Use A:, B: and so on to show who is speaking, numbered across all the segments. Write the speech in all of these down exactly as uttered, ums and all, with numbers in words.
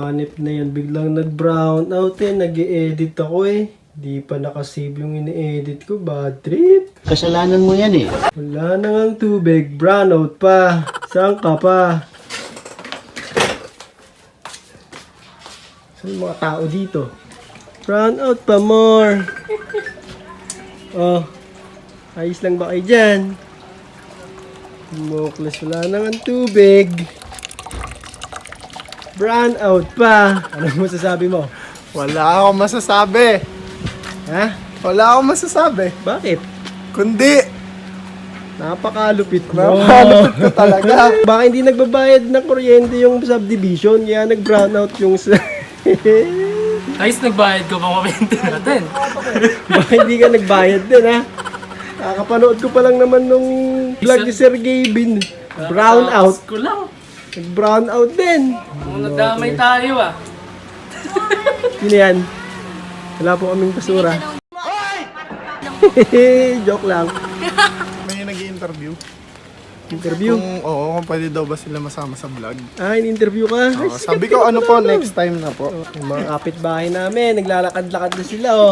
A: hanip na yan. Biglang nag-brown out eh. Nag-i-edit ako eh. Di pa nakasave yung ini-edit ko. Bad trip.
B: Kasalanan mo yan eh.
A: Wala na ngang tubig. Brown out pa. Saan ka pa? Saan yung mga tao dito? Brown out pa more. Oh. Ayos lang ba kayo dyan? Mokles, wala na ngang tubig. Brown out pa. Ano mo masasabi mo?
C: Wala akong masasabi.
A: Ha?
C: Wala akong masasabi.
A: Bakit?
C: Kundi,
A: Napakalupit mo.
C: napakalupit ko talaga.
A: Baka hindi nagbabayad ng kuryente yung subdivision, kaya nag-brown out yung...
D: Ayos, nagbayad ko pa kuryente natin.
A: Baka hindi ka nagbayad din, ha? Kakapanood ko pa lang naman nung vlog ni Sir Gavin. Brown out.
D: Tapos ko lang.
A: Nag-brown out din.
D: Kung nadamay tayo ah.
A: Yun yan. Wala po kaming basura. Joke lang.
C: May nag-i-interview.
A: Interview.
C: Kung, oo, kung pwede daw ba sila masama sa vlog.
A: Ah, in-interview ka? Ay,
C: Oo, sabi ko, ano po, next time na po.
A: yung mga kapitbahay namin, naglalakad-lakad na sila, oh.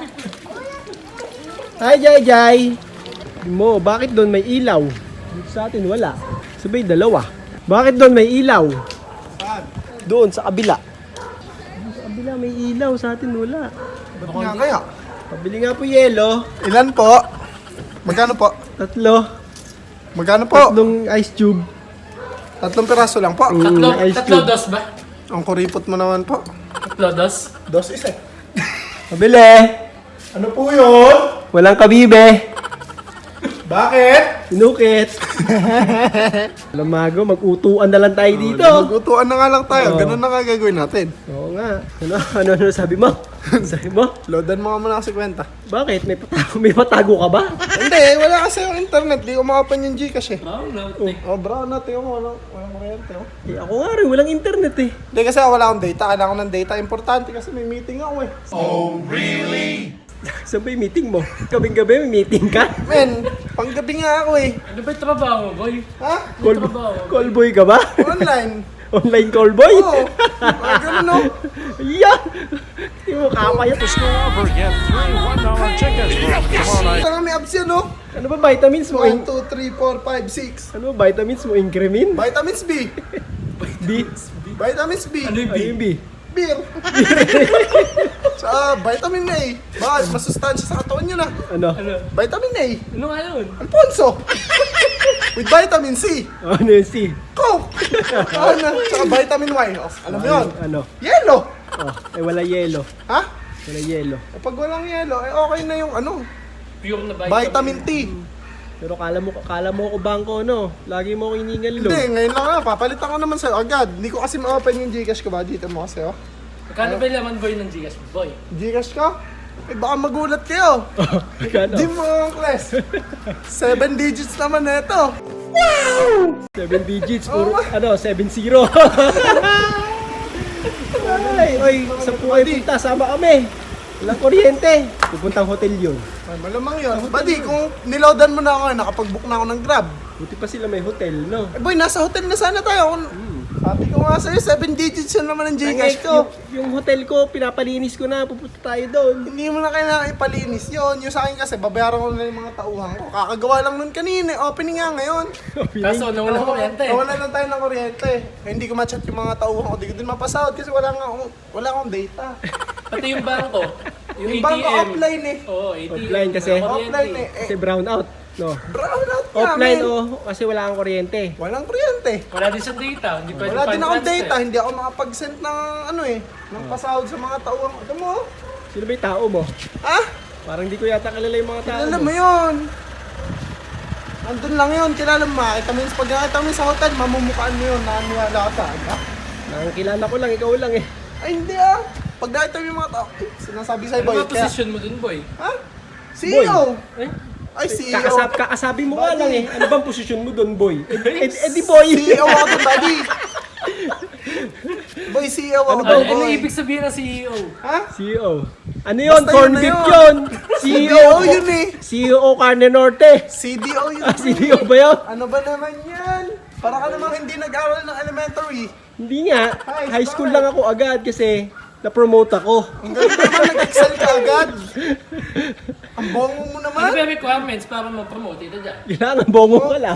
A: Hi, Jai Jai! Mo, bakit doon may ilaw? Dito sa atin, wala. Sabay, dalawa. Bakit doon may ilaw?
C: Saan?
A: Doon, sa kabila. Doon sa kabila, may ilaw. Sa atin, wala.
C: Ba't nga kaya?
A: Pabili nga po yelo.
C: Ilan po? Magkano po?
A: Tatlo.
C: Magkano po?
A: Tatlong ice tube.
C: Tatlong piraso lang po.
A: Mm,
D: Tatlo,
A: ice
D: tatlo
A: cube.
D: dos ba?
C: Ang kuripot mo naman po.
D: Tatlo dos?
C: Dos isa.
A: Pabili!
C: Ano po yun?
A: Walang kabibe.
C: Bakit?
A: Inukit. Lamago, mag-utuan na lang tayo dito.
C: Nagutuan na nga lang tayo.
A: Oo.
C: Ganun na nga gagawin natin.
A: Oo nga. Ano, ano, ano sabi mo? Sabi mo?
C: Loadan mo nga muna kasi kwenta.
A: Bakit? May patago, may patago ka ba?
C: Hindi, wala kasi yung internet. Di ko makapan yung Gcash eh.
D: Oh, no.
C: Oh, bro, natin mo. Walang, walang kuryente oh.
A: Eh, ako nga rin, walang internet eh.
C: Hindi kasi wala akong data. Kailangan ko ng data. Importante kasi may meeting ako eh.
A: Saan ba yung meeting mo? Kaming gabi, may meeting ka?
C: Men, panggabi nga ako eh.
D: Ano ba yung trabaho mo, boy?
C: Ha?
A: Call,
D: trabaho.
A: call boy ka ba?
C: Online.
A: Online call boy?
C: Oo. Ah, ganun no.
A: Yeah! Hindi mo kapayat.
E: Over again, three one dollar tickets for tomorrow night.
C: Saka may abs yan no.
A: Ano ba vitamins mo?
C: one, two, three, four, five, six.
A: Ano ba vitamins mo? Incremin?
C: Vitamins B.
A: B?
C: Vitamins B.
D: Ano yung
A: Ano
D: B?
A: yung B?
C: Beer. Sa vitamin A. Bakit? Masustansya sa katawan yun ah.
A: Ano?
D: Ano?
C: Vitamin A.
D: Ano nga yun?
C: Alfonso. With vitamin C.
A: Ano yung C?
C: Coke. Ano? Tsaka vitamin Y. Oh, alam mo yun?
A: Ano?
C: Yellow.
A: Oh, eh wala yelo.
C: Ha?
A: Wala yelo.
C: Eh, pag walang yellow, eh okay na yung ano,
D: Pure na
C: vitamin T.
A: Pero kala mo, kala mo ako bangko, no? Lagi mo ako iningal, lo.
C: Hindi, ngayon lang nga, papalitan ko naman sa'yo agad. Hindi ko kasi ma-open yung Gcash ko ba? Dito mo kasi, oh.
D: Magkano ba yung laman, boy, ng Gcash mo, boy?
C: Gcash ko? Eh, baka magulat kayo.
A: Magkano?
C: Di mo, Kles. Seven digits naman na ito.
A: Seven digits,
C: Oo.
A: puro, ano, seven zero. Ay, oy, sa puhay punta, sama kami. Walang kuryente. Pupuntang hotel yun.
C: Ay, malamang yun. Buddy, kung niloadan mo na ako, nakapag-book na ako ng Grab.
A: Buti pa sila may hotel, no?
C: Eh boy, nasa hotel na sana tayo. Kung- Sabi ko nga sa'yo, seven digits yun naman ang Gcash ko.
A: Yung, yung hotel ko, pinapalinis ko na, pupunta tayo doon.
C: Hindi mo na kailangan ipalinis yun. Yung sa akin kasi, babayaran ko na yung mga tauhan ko. Kakagawa lang nun kanina. Opening nga ngayon.
D: Kaso, nawala kuryente.
C: Wala na tayo ng kuryente. Eh, hindi ko ma-chat yung mga tauhan ko. Hindi ko din mapasahod kasi wala nga akong, wala akong data.
D: Pati yung bangko. Yung,
C: Yung
D: A T M.
C: bangko offline eh.
D: Oo, A T M.
A: Offline kasi.
D: Wala kuryente.
C: Offline eh.
A: Kasi brown out, no?
C: Brown out nga,
A: Offline,
C: men.
A: oh, kasi wala kang kuryente.
C: Walang kuryente.
D: Wala din sa data. Hindi pwede
C: Wala din akong
D: pa-transfer.
C: data. Hindi ako makapag-send ng ano eh. Ng pasahod sa mga tauhan ko. Ito mo. oh.
A: Sino ba yung tao mo?
C: Ha?
A: Parang di ko yata kilala yung mga tao
C: Kilala
A: mo.
C: mo yun. Andun lang yun. Kilala mo. Makita mo yun. Pag nakita mo yun sa hotel, mamumukaan mo yun. Naniwala ka sa akin. ha?
A: Nakakilala ko lang, ikaw lang eh.
C: Ay, hindi ah. Pag nakita mo yung mga tao, eh, sinasabi sa'yo,
D: Ano
C: boy.
D: ba position mo dun, boy?
C: Ha? C E O.
D: Eh?
C: Ay, C E O.
A: Kakasab, kakasabi mo nga lang eh. Ano bang posisyon mo doon, boy? Eh, eh, eh di boy.
C: C E O ako doon, buddy. Boy, C E O ako
D: Ano,
C: doon,
D: ano
C: boy.
D: ibig sabihin ng C E O?
C: Ha?
A: C E O. Ano yun?
C: Basta
A: Corn
C: yun na
A: beef
C: yun.
A: yun. C
C: C
A: E
C: D
A: O.
C: O yun eh.
A: C E O Carne Norte.
C: C D O yun.
A: Ah, C E O ba yun?
C: Ano ba naman yan? Para ka namang hindi nag-aral ng elementary.
A: Hindi nga,
C: Ay,
A: high school
C: bakit?
A: lang ako agad kasi na-promote ako.
C: Ang galing naman, nag-excel ka agad. Ang bongo mo
D: Ano
C: naman.
D: ba yung requirements para ma-promote ito dyan?
A: Kailangan bongo ka lang.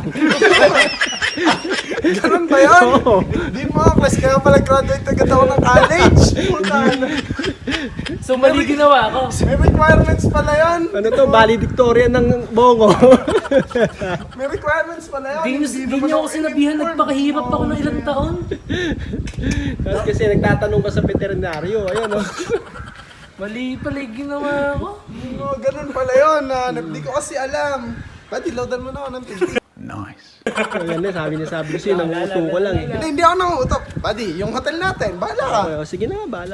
C: Ganun ba yun?
A: Oo.
C: Hindi mo, class kaya pala graduate agad ako ng college. Puta na.
D: So mali ginawa ko.
C: May requirements pala yun.
A: Ano to, valedictorian ng bongo.
C: May requirements pala yun.
D: Hindi nyo, hindi
C: naman
D: nyo ako sinabihan,
C: in-inform.
D: nagpakahirap ako ng ilang taon.
A: Tapos kasi nagtatanong ka sa veterinaryo, ayun oh.
D: Mali pala yung ginawa ko.
C: Oo, ganun pala yun. Ah, Hindi ko kasi alam. Pati, loadan mo na ako ng tubig.
A: Ayan na, sabi niya, sabi ko sa'yo, nanguto ko lang eh.
C: Hindi, hindi ako nangutok. Buddy, yung hotel natin, bahala ka.
A: Okay, oh, sige na, bahala.